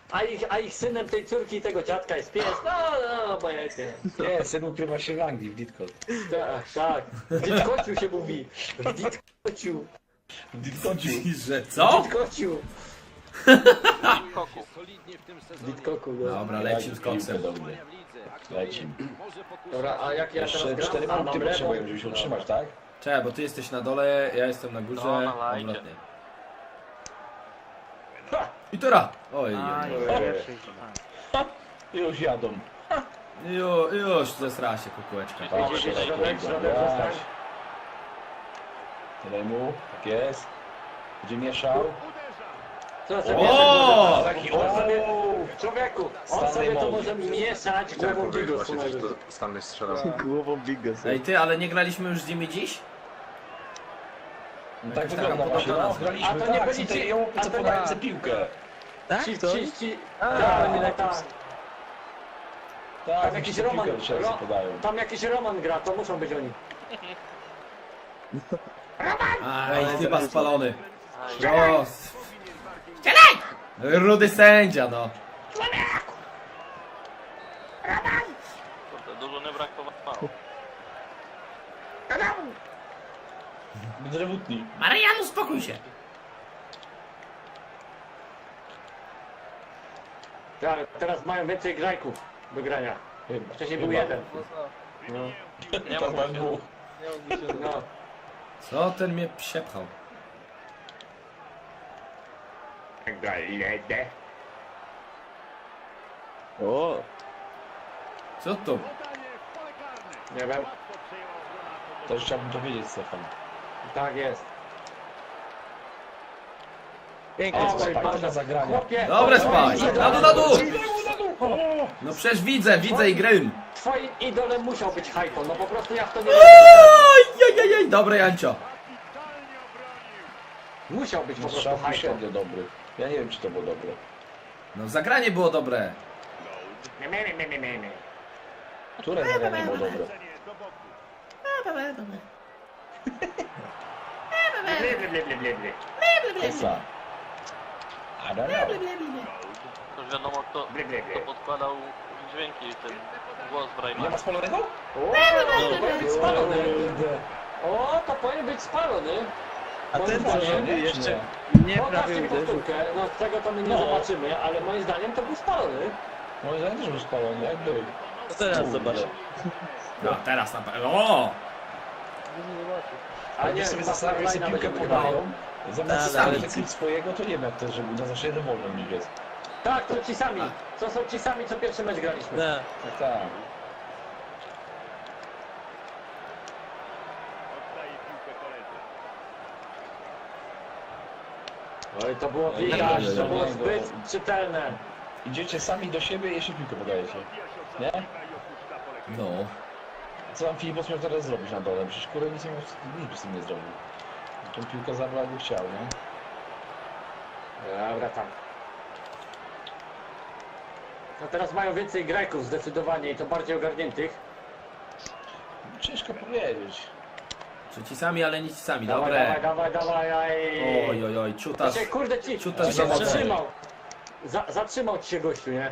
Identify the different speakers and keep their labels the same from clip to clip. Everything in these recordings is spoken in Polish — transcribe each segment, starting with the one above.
Speaker 1: A ich synem tej córki tego dziadka jest pies. No, obojętnie.
Speaker 2: Nie, syn ukrywa się w Anglii, w Didcot.
Speaker 1: Tak, tak. W Didkociu się mówi. W Didkociu.
Speaker 2: W Didcocie.
Speaker 3: Że
Speaker 1: W
Speaker 3: co?
Speaker 1: Didkociu.
Speaker 4: Koku.
Speaker 1: W Didkoku, no.
Speaker 3: Dobra, lecimy z koksem.
Speaker 2: Dobrze. Lecimy.
Speaker 1: Dobra, a jak ja
Speaker 2: Jeszcze
Speaker 1: teraz gram?
Speaker 2: 4
Speaker 1: A, mam
Speaker 2: punkty
Speaker 1: lewą.
Speaker 2: potrzebujemy, żeby się utrzymać, tak?
Speaker 3: Czekaj, bo ty jesteś na dole, ja jestem na górze.
Speaker 4: No, na lajcie.
Speaker 3: Odwrotnie.
Speaker 1: Ha!
Speaker 3: I teraz! Oj,
Speaker 2: Już jadą.
Speaker 3: już zesrała się kukułeczka.
Speaker 1: Idzie środek, zostań.
Speaker 2: Tyle mu, tak jest. Będzie mieszał.
Speaker 1: Co sobie
Speaker 3: O!
Speaker 2: Taki
Speaker 1: on sobie,
Speaker 2: o!
Speaker 1: człowieku, on
Speaker 2: Stanley
Speaker 1: sobie to
Speaker 2: Mole.
Speaker 1: może mieszać
Speaker 5: Chciałem
Speaker 1: głową
Speaker 5: powiedzieć
Speaker 1: bigosu.
Speaker 5: właśnie, że to Stanley strzelał.
Speaker 6: Głową Bigos.
Speaker 3: Ej ty, ale nie graliśmy już z nimi dziś?
Speaker 2: No tak
Speaker 3: Jakaś
Speaker 2: wygląda
Speaker 3: taka
Speaker 2: właśnie.
Speaker 3: podobna
Speaker 2: No,
Speaker 3: nazwa.
Speaker 2: graliśmy,
Speaker 1: A to nie
Speaker 2: tak,
Speaker 1: byli
Speaker 2: co
Speaker 1: ci-
Speaker 2: te ją,
Speaker 1: a
Speaker 2: co
Speaker 1: to nie-
Speaker 2: podające piłkę.
Speaker 6: Tak? To?
Speaker 2: Tak,
Speaker 1: Tam jakiś
Speaker 2: piłkę
Speaker 1: Roman,
Speaker 2: do Chelsea podają.
Speaker 1: tam jakiś Roman gra, to muszą być oni.
Speaker 3: Aj, chyba spalony.
Speaker 4: Aj,
Speaker 3: O, rudy sędzia, no.
Speaker 4: kurde, dużo nie brakowało.
Speaker 2: Drewutni.
Speaker 3: Marian, uspokój się.
Speaker 1: Tak, teraz mają więcej grajków do grania.
Speaker 2: Chyba.
Speaker 1: Wcześniej był jeden. No.
Speaker 4: Nie
Speaker 2: Tam
Speaker 4: ma się.
Speaker 2: był.
Speaker 1: No.
Speaker 3: Co ten mnie przepchał?
Speaker 6: O!
Speaker 3: Co to?
Speaker 1: Nie wiem.
Speaker 2: Też chciałbym to wiedzieć, Stefan.
Speaker 1: Tak jest.
Speaker 6: Pięknie.
Speaker 1: O,
Speaker 2: Spaj,
Speaker 1: patrz,
Speaker 2: to na zagranie.
Speaker 1: chłopie,
Speaker 3: Dobre spaj! Na dół, na dół!
Speaker 2: O!
Speaker 3: No przecież widzę i grym.
Speaker 1: Twoim idolem musiał być Hajto, no po prostu ja w to nie
Speaker 3: Oj, dobre Jancio.
Speaker 1: musiał być po prostu
Speaker 2: Strzał
Speaker 1: Hajto.
Speaker 2: średnio dobry. Ja nie wiem, czy to było dobre.
Speaker 3: No zagranie było dobre.
Speaker 2: Które zagranie było dobre? Tesla. I don't know.
Speaker 4: To już wiadomo kto podkładał dźwięki, ten głos
Speaker 2: Nie
Speaker 4: Braimana.
Speaker 2: ma spalonego?
Speaker 1: O, to powinien być spalony. O, to powinien być spalony.
Speaker 6: A ten
Speaker 1: Moim
Speaker 6: co
Speaker 1: zdaniem-
Speaker 6: robi jeszcze nie
Speaker 1: Pokażcie
Speaker 6: prawie
Speaker 1: mi
Speaker 6: uderzył.
Speaker 1: powtórkę, no tego to my nie
Speaker 2: No.
Speaker 1: zobaczymy, ale moim zdaniem to był spalony.
Speaker 2: Moim zdaniem też był spalony, jak był.
Speaker 6: To teraz zobacz.
Speaker 3: No teraz na pewno. O!
Speaker 1: Ale
Speaker 2: Jak
Speaker 1: nie,
Speaker 2: sobie
Speaker 1: na
Speaker 2: zastanawiam, sobie
Speaker 1: Frontline'a
Speaker 2: piłkę
Speaker 1: będzie
Speaker 2: podają, zamiast
Speaker 6: Ale-
Speaker 2: sobie tekst swojego, to nie wiem jak to, żeby na zawsze jeden wolny niż jest.
Speaker 1: Tak, to ci sami. To są ci sami, co pierwszy mecz graliśmy.
Speaker 6: Tak.
Speaker 2: Tak, tak.
Speaker 1: Oj, to było
Speaker 2: Nie,
Speaker 1: widać,
Speaker 2: nie,
Speaker 1: to
Speaker 2: nie,
Speaker 1: było
Speaker 2: nie,
Speaker 1: zbyt
Speaker 2: nie.
Speaker 1: czytelne.
Speaker 2: Idziecie sami do siebie i jeszcze piłkę podajecie. Nie?
Speaker 3: No.
Speaker 2: Co tam Filipos miał teraz zrobić na dole? Przecież kurde nic by z tym nie zrobił. Tą piłkę zabrał jakby chciał, nie?
Speaker 1: Dobra, tam. No teraz mają więcej grajków zdecydowanie i to bardziej ogarniętych.
Speaker 2: Ciężko powiedzieć.
Speaker 3: Przycisami, ale nie cisami.
Speaker 1: Dawaj,
Speaker 3: Dobre.
Speaker 1: dawaj, aj.
Speaker 3: Oj, ciutas.
Speaker 1: Cię, kurde ci
Speaker 3: Ciutas
Speaker 1: się
Speaker 3: za mocno.
Speaker 1: zatrzymał. Zatrzymał ci się gościu, nie?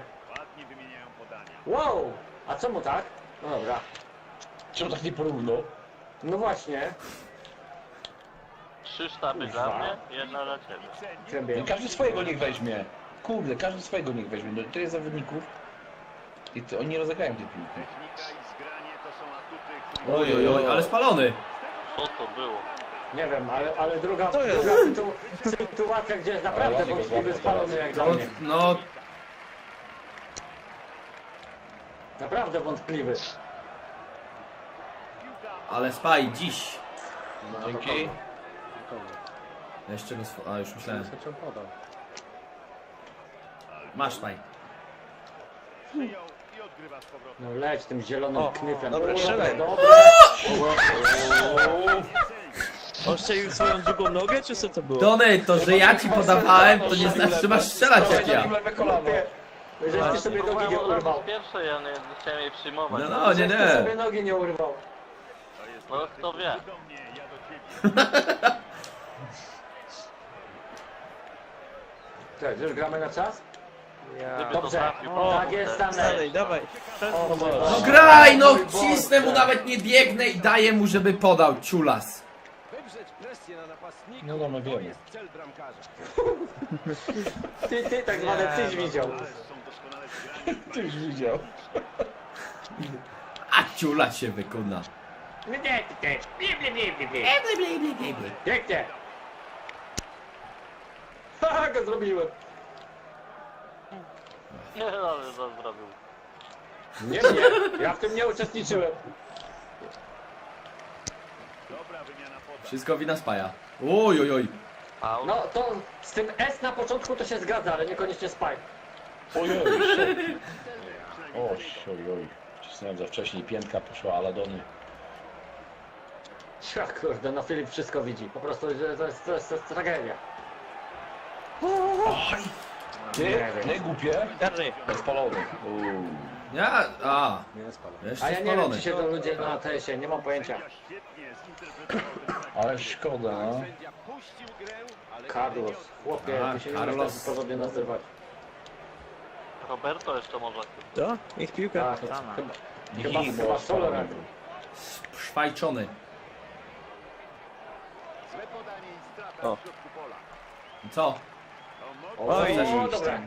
Speaker 1: Wow! A czemu tak? No dobra.
Speaker 2: Czemu tak nie porówno?
Speaker 1: No właśnie.
Speaker 4: 3 sztaby dla mnie, jedna dla ciebie.
Speaker 1: Ciebie.
Speaker 2: Każdy swojego niech weźmie. Kurde, każdy swojego niech weźmie. No, tyle zawodników. I to oni nie rozegrają tej piłki.
Speaker 3: Oj, ale spalony.
Speaker 4: Co to było?
Speaker 1: Nie wiem, ale druga
Speaker 6: jest?
Speaker 1: sytuacja, gdzie jest naprawdę
Speaker 2: ładnie go
Speaker 1: wątpliwy
Speaker 2: złapał
Speaker 1: spalony
Speaker 2: teraz.
Speaker 1: jak dla
Speaker 3: No,
Speaker 1: mnie.
Speaker 3: no
Speaker 1: Naprawdę wątpliwy.
Speaker 3: ale spaj dziś.
Speaker 2: Dzięki.
Speaker 3: Jeszcze go a już myślałem. Masz spaj.
Speaker 1: No leć tym zielonym
Speaker 6: O,
Speaker 1: knyfem.
Speaker 6: dobra, strzelaj.
Speaker 1: Dobre.
Speaker 6: Ostrzelił swoją drugą nogę, czy co to było?
Speaker 3: Tony, to że ja ci podawałem, to nie znaczy, że masz strzelać jak ja.
Speaker 2: Lewe kolano.
Speaker 1: Żeś ty sobie nogi nie urwał.
Speaker 4: Z pierwszej, ja nie chciałem jej przyjmować.
Speaker 3: No,
Speaker 1: Żeś ty
Speaker 3: nie.
Speaker 1: sobie nogi nie urwał.
Speaker 4: No kto wie.
Speaker 1: Cześć, już gramy na czas?
Speaker 4: Gdyby to
Speaker 1: Dobrze,
Speaker 4: trafił,
Speaker 1: tak jest, Stanek.
Speaker 6: Dalej, dawaj.
Speaker 1: O,
Speaker 3: No graj, no cisnę mu, nawet nie biegnę i daję mu, żeby podał, ciulas.
Speaker 2: No no, my wiemy.
Speaker 1: Ty tak zwane tyś widział.
Speaker 2: Ty już widział.
Speaker 3: A ciulas się wykona.
Speaker 1: Pięknie. Haha, go zrobiłem.
Speaker 4: Nie, ale to zrobił.
Speaker 1: Nie, ja w tym nie uczestniczyłem.
Speaker 3: Wszystko wina Spaja. Oj, oj, oj.
Speaker 4: Out.
Speaker 1: No to z tym S na początku to się zgadza, ale niekoniecznie Spike.
Speaker 2: Ojoj, oj. Cisnąłem za wcześnie, piętka poszła, ale do mnie.
Speaker 1: Ja kurde, no Filip wszystko widzi. Po prostu że to jest tragedia.
Speaker 2: Nie głupie?
Speaker 6: Garny.
Speaker 2: Spalony.
Speaker 3: Ja, a.
Speaker 1: A
Speaker 3: Jeszcze
Speaker 1: ja nie wiem,
Speaker 3: spalony.
Speaker 1: czy się to ludzie na TS-ie, nie mam pojęcia.
Speaker 2: Ale szkoda, no.
Speaker 1: Carlos, chłopie,
Speaker 3: A,
Speaker 1: ty się nie
Speaker 3: Carlos.
Speaker 1: możesz tak porządnie nazywać.
Speaker 4: Roberto jeszcze może.
Speaker 6: To? Ich piłka.
Speaker 1: Tak, chyba solo robi.
Speaker 3: Szwajczony.
Speaker 6: O.
Speaker 3: Co?
Speaker 6: Oj,
Speaker 1: O, dobra.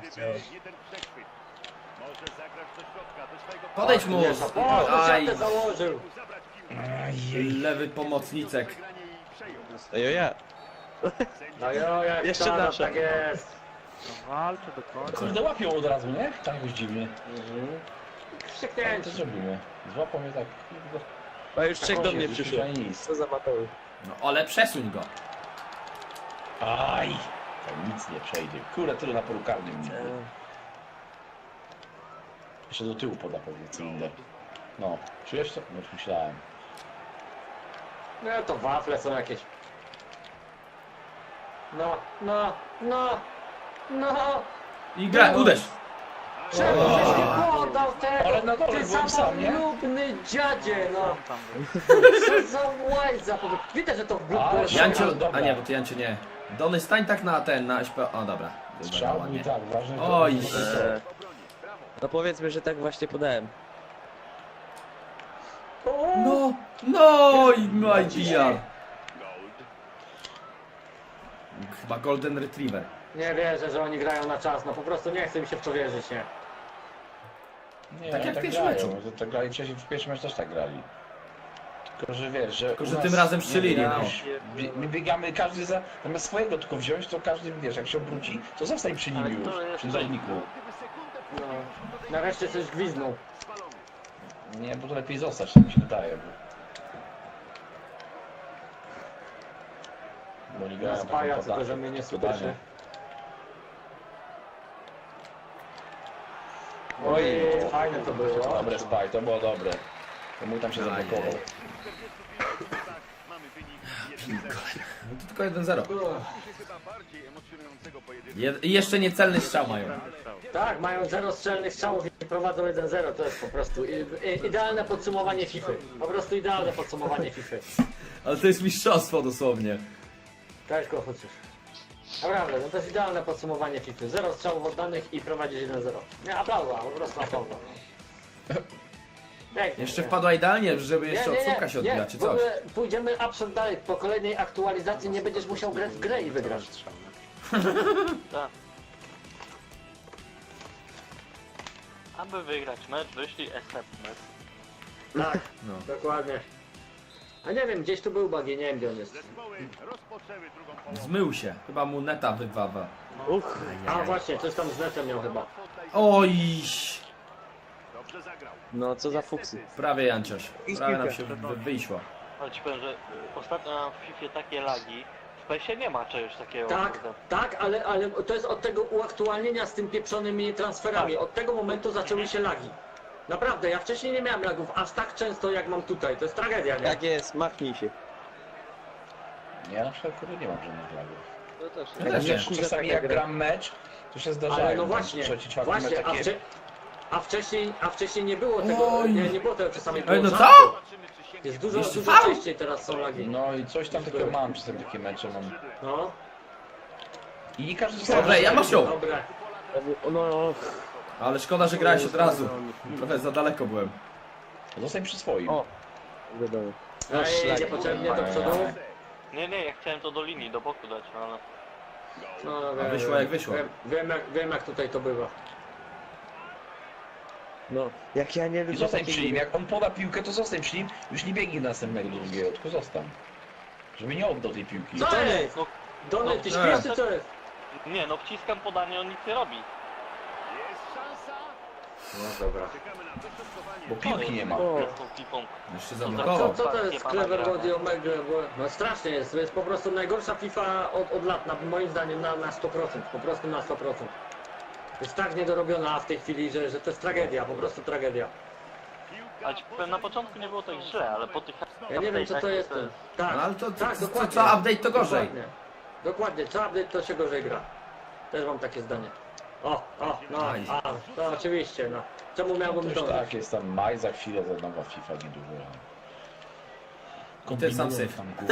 Speaker 3: Podejdź mu.
Speaker 1: Nie, o,
Speaker 3: Aj,
Speaker 1: siatę założył.
Speaker 3: lewy pomocnicek.
Speaker 6: Ojoja.
Speaker 1: No jo, jak
Speaker 6: Jeszcze
Speaker 1: to,
Speaker 6: nasze.
Speaker 1: tak jest.
Speaker 2: Kurde, łapią od razu, nie? Tak jakoś dziwnie. Co
Speaker 1: Krzyknięcie.
Speaker 2: zrobimy? Złapał mnie tak.
Speaker 6: A już trzech do mnie
Speaker 2: Już
Speaker 6: przyszło.
Speaker 2: nic.
Speaker 6: Co za matoły.
Speaker 3: No ale przesuń go.
Speaker 2: Aj! To nic nie przejdzie. Kurde, tyle na polu karnym. Jeszcze do tyłu poda pewnie cylinder. No, czujesz to? No już myślałem.
Speaker 1: No to wafle są jakieś. No.
Speaker 3: I gra, uderz.
Speaker 1: Czemu żeś nie podał tego?
Speaker 2: Ale na dole
Speaker 1: Ty
Speaker 2: byłem sam, nie?
Speaker 1: samolubny dziadzie, no. Co za łajza. Widać, że to w
Speaker 2: A,
Speaker 1: grupie.
Speaker 3: Jancio,
Speaker 2: dobra.
Speaker 3: a nie, bo ty Jancio nie. Dony, stań tak na ten, na SP. O, dobra.
Speaker 2: Strzał
Speaker 3: Ładnie.
Speaker 2: i tak, ważne. że-
Speaker 3: Oj.
Speaker 6: No powiedzmy, że tak właśnie podałem.
Speaker 3: No i my dear. Chyba Golden Retriever.
Speaker 1: Nie wierzę, że oni grają na czas, no po prostu nie chce mi się w to wierzyć, nie.
Speaker 2: Nie,
Speaker 3: Tak jak w pierwszym
Speaker 2: grają.
Speaker 3: meczu.
Speaker 2: To tak grali wcześniej, w pierwszym meczu też tak grali. Tylko, że wiesz, że
Speaker 3: Tylko,
Speaker 2: u
Speaker 3: że
Speaker 2: nas,
Speaker 3: tym razem strzelili,
Speaker 2: nie,
Speaker 3: no.
Speaker 2: My biegamy, każdy zamiast swojego tylko wziąć, to każdy, wiesz, jak się obróci, to zostań przy nim
Speaker 4: Ale
Speaker 2: już,
Speaker 4: to jest-
Speaker 2: przy zajniku.
Speaker 1: No. Nareszcie coś gwizdnął.
Speaker 2: Nie, bo to lepiej zostać, tak mi się wydaje. Bo oni grają
Speaker 1: Na spaja,
Speaker 2: taką
Speaker 1: tylko że mnie nie słyszy.
Speaker 2: podanie.
Speaker 1: Oj, fajne to było.
Speaker 2: Dobre spaj, to było dobre. To mój tam się zablokował.
Speaker 3: No to tylko 1-0. I jeszcze niecelny strzał mają.
Speaker 1: Tak, mają 0 strzelnych strzałów i prowadzą 1-0, to jest po prostu idealne podsumowanie FIFA. Po prostu idealne podsumowanie FIFA.
Speaker 3: Ale to jest mistrzostwo dosłownie.
Speaker 1: Cześć, kochuczysz. Naprawdę, no to jest idealne podsumowanie FIFA. 0 strzałów oddanych i prowadzisz 1-0. Nie, aplauda, po prostu aplauda. Pięknie.
Speaker 3: Jeszcze wpadła idealnie, żeby jeszcze od słupka się odbiła, czy
Speaker 1: w
Speaker 3: coś.
Speaker 1: ogóle pójdziemy absolut dalej. Po kolejnej aktualizacji nie będziesz musiał grać w grę i wygrasz.
Speaker 4: Tak. Aby wygrać mecz, wyślij SMS.
Speaker 1: Tak,
Speaker 3: No.
Speaker 1: dokładnie. A nie wiem, gdzieś tu był Bagi, nie wiem gdzie on jest.
Speaker 3: Zmył się. Chyba mu neta wywawa.
Speaker 1: A właśnie, coś tam z netem miał chyba.
Speaker 3: Oj.
Speaker 6: No co za fuksy.
Speaker 3: Prawie Jancioś. Prawie nam się wyszło.
Speaker 4: Ale ci powiem, że ostatnio mam w FIFA takie lagi. W PESie nie ma czegoś takiego.
Speaker 1: Tak,
Speaker 4: kurde.
Speaker 1: tak, ale to jest od tego uaktualnienia z tym pieprzonymi transferami. Od tego momentu zaczęły się lagi. Naprawdę, ja wcześniej nie miałem lagów aż tak często jak mam tutaj. To jest tragedia, nie?
Speaker 6: Jak jest, machnij się.
Speaker 2: Ja na przykład kurde nie mam żadnych lagów.
Speaker 6: To też
Speaker 3: Ja też nie.
Speaker 2: Wiesz, czasami jak gram mecz, to się zdarzają.
Speaker 1: Ale no
Speaker 2: tam
Speaker 1: właśnie,
Speaker 2: trzeci, czwarty
Speaker 1: właśnie,
Speaker 2: mecz takie...
Speaker 1: a wcześniej nie było tego,
Speaker 3: Oj.
Speaker 1: nie było tego czasami było
Speaker 3: Ej, no
Speaker 1: żartu.
Speaker 3: co?
Speaker 1: Jest dużo,
Speaker 3: Jeszcze
Speaker 1: dużo
Speaker 3: faul?
Speaker 1: częściej teraz są lagi.
Speaker 2: No i coś tam takiego mam, czasem takie mecze mam.
Speaker 1: No.
Speaker 2: I nie każdy
Speaker 3: Dobre, ja masz ją.
Speaker 1: Dobre.
Speaker 6: No,
Speaker 3: Ale szkoda, że grałeś od razu. Trochę za daleko byłem.
Speaker 2: Zostań przy swoim.
Speaker 6: O. wiadomo.
Speaker 1: Ej, niepotrzebnie do przodu.
Speaker 4: Nie, ja chciałem to do linii, do boku dać, ale...
Speaker 1: No,
Speaker 3: A wyszło jak wyszło.
Speaker 1: Wiem jak tutaj to bywa.
Speaker 6: No, jak ja nie
Speaker 2: I
Speaker 6: lubię
Speaker 2: zostań przy nim.
Speaker 6: takiego...
Speaker 2: Jak on poda piłkę, to zostań przy nim. Już nie biegnij do następnego drugiego, tylko zostań. Żeby nie oddał tej piłki.
Speaker 1: Co jest?
Speaker 4: No,
Speaker 1: Donny, ty
Speaker 3: Nie.
Speaker 1: śpiesz czy co jest?
Speaker 4: nie, no wciskam podanie, on nic nie robi.
Speaker 1: No dobra.
Speaker 2: Bo piłki nie ma.
Speaker 6: O.
Speaker 4: Z tą pipą.
Speaker 3: Jeszcze
Speaker 1: Co,
Speaker 3: zablokował.
Speaker 1: co to jest Clever Body Omega? No strasznie jest, to jest po prostu najgorsza FIFA od lat, moim zdaniem na 100%, po prostu na 100%. Jest tak niedorobiona w tej chwili, że to jest tragedia, po prostu tragedia.
Speaker 4: A ci powiem, na początku nie było tak źle, ale po tych...
Speaker 1: Ja nie wiem co to jest. Tak,
Speaker 3: No ale to
Speaker 1: tak,
Speaker 3: co
Speaker 1: dokładnie.
Speaker 3: update to gorzej.
Speaker 1: Dokładnie, co update to się gorzej gra. Też mam takie zdanie. No,
Speaker 3: Aj.
Speaker 1: to oczywiście, no. Czemu miałbym
Speaker 2: Już
Speaker 1: to?
Speaker 2: tak, jest tam maj, za chwilę za nowa FIFA niedużo.
Speaker 3: I ten sam syf.
Speaker 2: Tam, kurwa.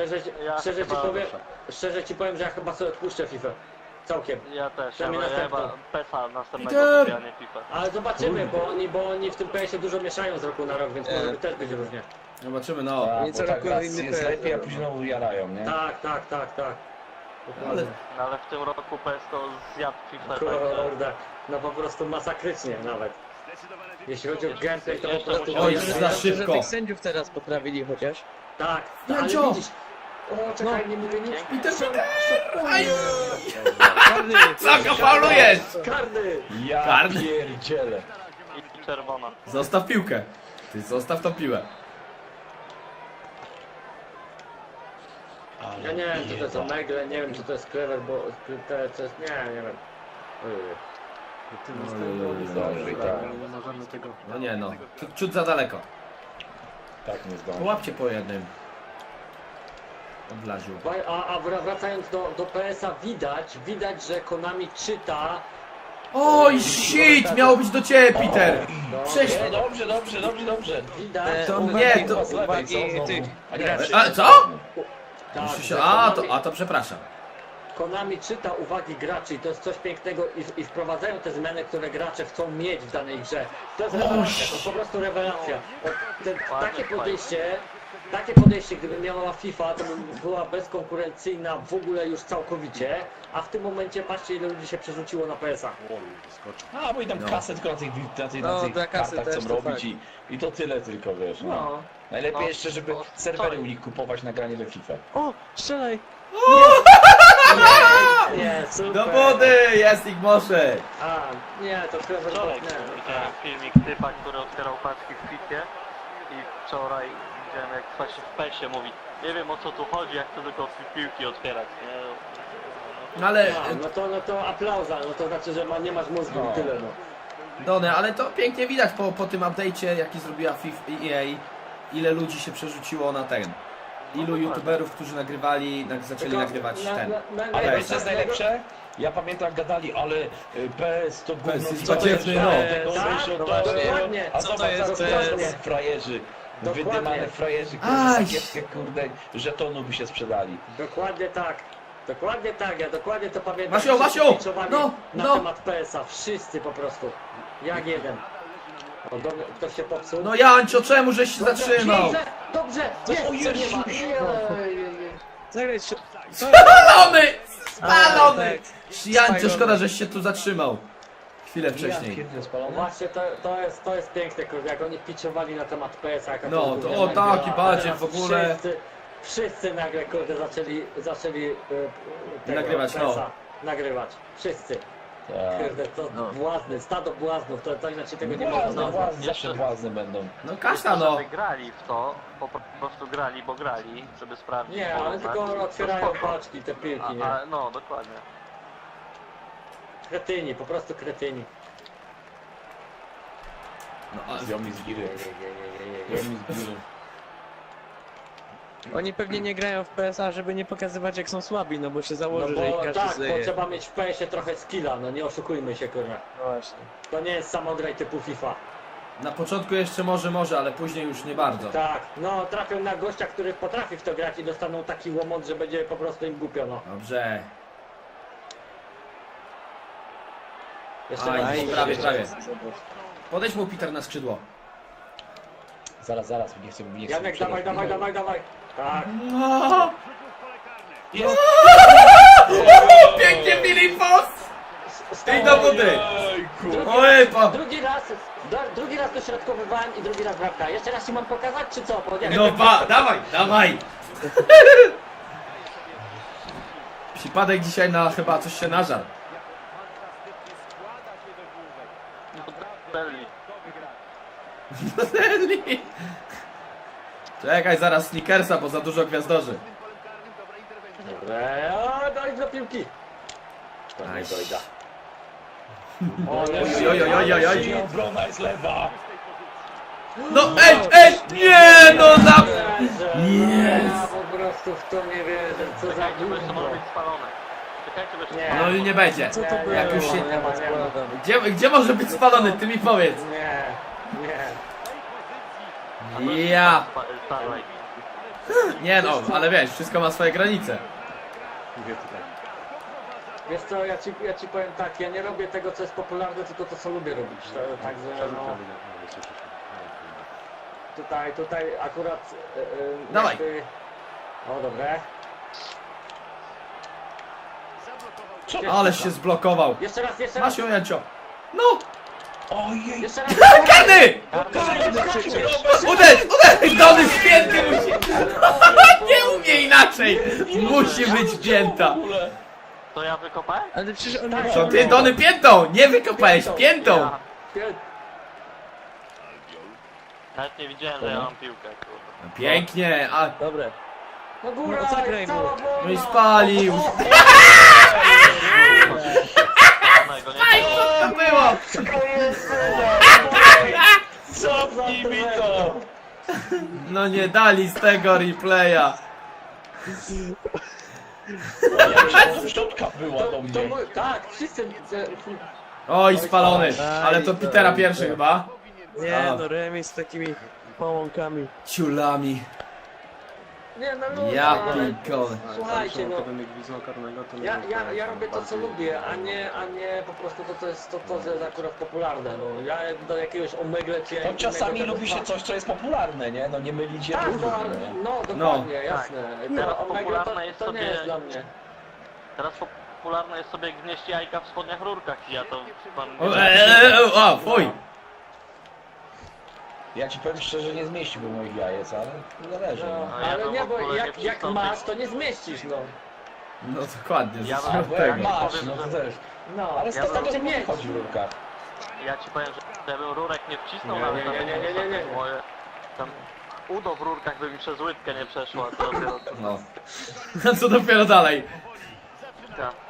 Speaker 1: Szczerze ci powiem, że ja chyba sobie odpuszczę FIFA. Całkiem.
Speaker 4: Ja też,
Speaker 1: Przynajmniej
Speaker 4: ja chyba
Speaker 1: następną.
Speaker 4: PESA następnego
Speaker 3: Peter!
Speaker 4: kupię, a nie FIFA.
Speaker 1: Ale zobaczymy, bo oni w tym PS-ie dużo mieszają z roku na rok, więc może też będzie różnie.
Speaker 3: Zobaczymy, no.
Speaker 2: A,
Speaker 6: Nieco
Speaker 2: bo tak
Speaker 6: roku
Speaker 2: raz
Speaker 6: inny
Speaker 2: jest
Speaker 6: PS.
Speaker 2: lepiej, a później znowu jarają, nie?
Speaker 1: Tak.
Speaker 3: Ale
Speaker 4: No ale w tym roku PES to zjadł FIFA, także...
Speaker 1: Kurde, no po prostu masakrycznie nawet. Jeśli chodzi o gameplay, to po
Speaker 4: Jeszcze
Speaker 1: prostu...
Speaker 4: musiał-
Speaker 3: Oj, za szybko.
Speaker 6: Że tych sędziów teraz poprawili chociaż.
Speaker 1: Tak, ale
Speaker 3: Jancio!
Speaker 1: widzisz... O, czekaj, nie mówię nic.
Speaker 3: Peter, Aj!
Speaker 6: Karny!
Speaker 3: Co go faulujesz?
Speaker 1: Karny!
Speaker 2: Ja
Speaker 3: Karny.
Speaker 2: pierdzielę.
Speaker 4: I czerwona.
Speaker 3: Zostaw piłkę. Ty zostaw tą piłę.
Speaker 2: Ale
Speaker 1: Ja nie wiem, czy to jest
Speaker 2: bieda.
Speaker 1: Omegle, nie wiem, czy to jest Clever, bo to jest... Nie wiem.
Speaker 2: Dobrze, i tak.
Speaker 3: No nie no. Ciut za daleko.
Speaker 2: Tak nie zdążę.
Speaker 3: Połapcie po jednym. Odlaził.
Speaker 1: A wracając do PS-a, widać, że Konami czyta...
Speaker 3: Oj, shit! Miało być do ciebie, Peter! Przecież...
Speaker 2: Nie, dobrze.
Speaker 1: Widać...
Speaker 6: To
Speaker 3: nie, to-
Speaker 2: z lewej, co znowu?
Speaker 6: tych
Speaker 2: A nie,
Speaker 6: graczy.
Speaker 3: A, co?
Speaker 1: tak,
Speaker 3: Muszę się...
Speaker 1: że
Speaker 3: A to przepraszam.
Speaker 1: Konami czyta uwagi graczy i to jest coś pięknego i wprowadzają te zmiany, które gracze chcą mieć w danej grze. To jest rewelacja, to jest po prostu rewelacja. Takie podejście, gdyby miała FIFA, to by była bezkonkurencyjna w ogóle już całkowicie, a w tym momencie patrzcie, ile ludzi się przerzuciło na PS-a.
Speaker 2: A, bo i tam
Speaker 3: No.
Speaker 2: kasę tylko na
Speaker 6: No,
Speaker 2: tych
Speaker 6: dla kasy
Speaker 2: kartach
Speaker 6: też
Speaker 2: chcą
Speaker 6: to
Speaker 2: robić
Speaker 6: fakt.
Speaker 2: i to tyle tylko, wiesz, no.
Speaker 1: No.
Speaker 2: Najlepiej
Speaker 4: No,
Speaker 2: jeszcze, żeby
Speaker 4: to
Speaker 2: serwery
Speaker 4: sorry.
Speaker 2: u nich kupować na granie we FIFA.
Speaker 6: O, strzelaj!
Speaker 1: Nie, super.
Speaker 3: Do wody! Jest ich może!
Speaker 1: A, nie, to Clever
Speaker 4: Wczoraj
Speaker 1: nie.
Speaker 4: widziałem filmik typa, który otwierał paczki w FIFA i wczoraj widziałem jak właśnie w PESie mówi nie wiem o co tu chodzi, jak chcę tylko piłki otwierać, nie?
Speaker 3: No ale...
Speaker 1: No to aplauza, no to znaczy, że nie masz mózgu
Speaker 2: No.
Speaker 1: i tyle, no.
Speaker 3: Dony, ale to pięknie widać po tym update'cie, jaki zrobiła FIFA EA, ile ludzi się przerzuciło na ten. Ilu youtuberów, którzy nagrywali, zaczęli nagrywać ten.
Speaker 2: Ale
Speaker 3: PS.
Speaker 2: wiesz co jest najlepsze? Ja pamiętam jak gadali, ale PS to gówno,
Speaker 3: jest
Speaker 2: FIFA
Speaker 3: badziewny,
Speaker 2: jest
Speaker 3: no.
Speaker 2: tego,
Speaker 1: Tak,
Speaker 2: myślą,
Speaker 1: no
Speaker 2: to,
Speaker 1: dokładnie.
Speaker 2: a
Speaker 6: Co to
Speaker 2: zobacz,
Speaker 6: jest
Speaker 2: zaraz
Speaker 6: PS?
Speaker 2: teraz frajerzy,
Speaker 1: Dokładnie.
Speaker 2: wydymane frajerzy,
Speaker 3: Aj.
Speaker 2: kurde, sakiewkę, kurde, żetonu by się sprzedali.
Speaker 1: Dokładnie tak. Dokładnie tak, ja dokładnie to pamiętam.
Speaker 3: Wasiu,
Speaker 1: Wszyscy
Speaker 3: Wasiu!
Speaker 1: piczowali
Speaker 3: No,
Speaker 1: na
Speaker 3: no.
Speaker 1: temat PS-a, wszyscy po prostu. Jak jeden. O, ktoś się popsuł.
Speaker 3: No Jancio, czemu żeś się zatrzymał?
Speaker 1: Dobrze, jest,
Speaker 2: O
Speaker 1: nie ma.
Speaker 6: Zagraj się.
Speaker 3: Spalony! Spalony!
Speaker 6: Tak.
Speaker 3: Jancio, szkoda, żeś się tu zatrzymał. Chwilę
Speaker 2: Ja
Speaker 3: wcześniej.
Speaker 2: pierdolę, spalone?
Speaker 1: Właśnie to jest piękne, kurde, jak oni piczowali na temat PS-a. jaka to
Speaker 3: No,
Speaker 1: jest
Speaker 3: to
Speaker 1: gówniana
Speaker 3: o taki
Speaker 1: gra, a
Speaker 3: badziew
Speaker 1: teraz
Speaker 3: w ogóle.
Speaker 1: Wszyscy nagle, kurde, zaczęli tego
Speaker 3: Nagrywać, no.
Speaker 1: PS-a nagrywać. Wszyscy.
Speaker 2: Tak.
Speaker 1: Kurde, to błazny, stado błaznów, to inaczej tego nie
Speaker 2: Błazny,
Speaker 1: można nazwać.
Speaker 2: błazny, zawsze błazny będą.
Speaker 3: No Kasia, no.
Speaker 4: Żeby grali w to, po prostu grali, bo grali, żeby sprawdzić.
Speaker 1: Nie, ale
Speaker 4: porównać,
Speaker 1: tylko
Speaker 4: to
Speaker 1: otwierają
Speaker 4: spoko.
Speaker 1: paczki, te piłki, nie?
Speaker 4: No, dokładnie.
Speaker 1: Kretyni, po prostu kretyni.
Speaker 3: No, a-
Speaker 2: Zdjął mi z giry. Zdjął mi z giry.
Speaker 6: Oni pewnie nie grają w PSA, żeby nie pokazywać jak są słabi, no bo się
Speaker 1: No
Speaker 6: założy, że ich
Speaker 1: bo
Speaker 6: każdy
Speaker 1: tak, bo
Speaker 6: zleje.
Speaker 1: trzeba mieć w PS-ie trochę skilla, no nie oszukujmy się, kurwa.
Speaker 6: No właśnie.
Speaker 1: To nie jest samograj typu FIFA.
Speaker 3: Na początku jeszcze może, ale później już nie bardzo.
Speaker 1: Tak, no trafią na gościa, który potrafi w to grać i dostaną taki łomot, że będzie po prostu im głupio, no.
Speaker 3: Dobrze.
Speaker 1: Jeszcze
Speaker 3: Aj,
Speaker 1: raz.
Speaker 3: prawie. Podejdź mu Peter na skrzydło.
Speaker 2: Zaraz, nie chcę mi
Speaker 1: Janek, dawaj. Tak.
Speaker 3: No.
Speaker 2: Jest!
Speaker 3: Pięknie Filipos! Ej do wody!
Speaker 2: Ojejku!
Speaker 3: Oj, po...
Speaker 1: Drugi raz dośrodkowywałem i drugi raz bramka. Jeszcze raz ci mam pokazać, czy co? Bo nie
Speaker 3: No dawaj! Przypadek dzisiaj na chyba coś się nażar.
Speaker 4: Belli.
Speaker 3: Czekaj, zaraz Snickersa, bo za dużo gwiazdorzy.
Speaker 1: Dobre, daj do piłki. To nie
Speaker 3: Aj.
Speaker 1: dojda.
Speaker 3: Oj.
Speaker 2: Obrona jest lewa!
Speaker 3: No ej, nie, no za...
Speaker 1: Nie, ja po prostu w to nie wierzę, co za
Speaker 4: Czekajcie, bo jeszcze
Speaker 1: gówno.
Speaker 4: może być spalone. Czekajcie, bo jeszcze
Speaker 1: Nie.
Speaker 3: No i nie będzie.
Speaker 6: Co to było?
Speaker 3: Jak już się...
Speaker 1: Nie ma.
Speaker 3: Gdzie może być spalony, ty mi powiedz.
Speaker 1: Nie.
Speaker 3: Ja...
Speaker 4: Starlight.
Speaker 3: Nie no, ale wiesz, wszystko ma swoje granice.
Speaker 1: Wiesz co, ja ci powiem tak, ja nie robię tego, co jest popularne, tylko to, co lubię robić. Także no... Tutaj akurat...
Speaker 3: Dawaj.
Speaker 1: jakby- O, dobre.
Speaker 3: Ależ się zblokował.
Speaker 1: Jeszcze raz.
Speaker 3: Masz ją, Jancio. No,
Speaker 2: Ojej!
Speaker 1: Jeszcze raz.
Speaker 3: karny! Uderz! Dony święty musi... Nie umie inaczej! Musi być pięta.
Speaker 4: To ja wykopałem?
Speaker 6: Ale przecież on
Speaker 1: Tak.
Speaker 6: nie
Speaker 3: To ty, Dony, piętą! Nie wykopałeś, piętą!
Speaker 4: Nawet nie widziałem, że ja mam piłkę, kurwa.
Speaker 3: Pięknie, a...
Speaker 6: Dobre.
Speaker 1: No góra,
Speaker 6: No zagraj mu.
Speaker 1: cała wolna.
Speaker 3: No i spalił.
Speaker 4: Żadnego, nie?
Speaker 3: To było!
Speaker 2: Cofnij mi to!
Speaker 3: No nie dali z tego replaya.
Speaker 2: Szczotka była do mnie.
Speaker 1: Tak, wszyscy...
Speaker 3: Oj, spalony. Ale to Petera pierwszy chyba.
Speaker 6: Nie
Speaker 3: A.
Speaker 6: no, remis z takimi pałąkami.
Speaker 3: Ciulami.
Speaker 1: Nie, no ludzie,
Speaker 3: Ja
Speaker 1: ale-
Speaker 3: pikole.
Speaker 1: Słuchajcie, no. Ja robię to, co lubię, a nie po prostu to, co jest to, jest akurat popularne. No. Ja do jakiegoś omegle czy
Speaker 2: To czasami
Speaker 1: innego
Speaker 2: lubi się
Speaker 1: tego-
Speaker 2: coś, co jest popularne, nie? No nie mylić się
Speaker 1: Tak,
Speaker 2: różnych,
Speaker 1: no, ale,
Speaker 2: nie?
Speaker 1: no dokładnie, jasne.
Speaker 4: Teraz
Speaker 1: To omegle
Speaker 4: popularne jest
Speaker 1: to nie
Speaker 4: sobie-
Speaker 1: jest dla mnie.
Speaker 4: Teraz popularne jest sobie gnieść jajka w spodniach rurkach i ja to pan...
Speaker 3: O, fuj.
Speaker 2: Ja ci powiem szczerze, nie zmieściłbym moich jajec, ale zależy.
Speaker 1: No,
Speaker 2: No.
Speaker 4: A ja
Speaker 1: ale
Speaker 4: to
Speaker 1: nie,
Speaker 4: w
Speaker 1: bo
Speaker 4: ogóle nie
Speaker 1: jak
Speaker 4: przystąpię.
Speaker 1: masz, to nie zmieścisz, no.
Speaker 3: No dokładnie,
Speaker 4: Ja
Speaker 3: zacznijmy
Speaker 4: mam-
Speaker 3: od
Speaker 2: Bo jak
Speaker 3: tego.
Speaker 2: masz,
Speaker 4: powiem,
Speaker 2: no to
Speaker 4: że-
Speaker 2: też.
Speaker 1: No,
Speaker 2: Ale z
Speaker 4: Ja
Speaker 2: tego
Speaker 1: bym-
Speaker 2: nie
Speaker 1: mieć.
Speaker 2: chodzi w rurkach.
Speaker 4: Ja ci powiem, że ja bym rurek nie wcisnął
Speaker 1: Nie,
Speaker 4: nawet
Speaker 1: nie,
Speaker 4: na
Speaker 1: nie,
Speaker 4: takie
Speaker 1: nie, nie, nie,
Speaker 4: wysokie
Speaker 1: nie.
Speaker 4: moje. Tam udo w rurkach by mi przez łydkę nie przeszło, a to dopiero...
Speaker 3: No. Co dopiero dalej?
Speaker 4: Ta.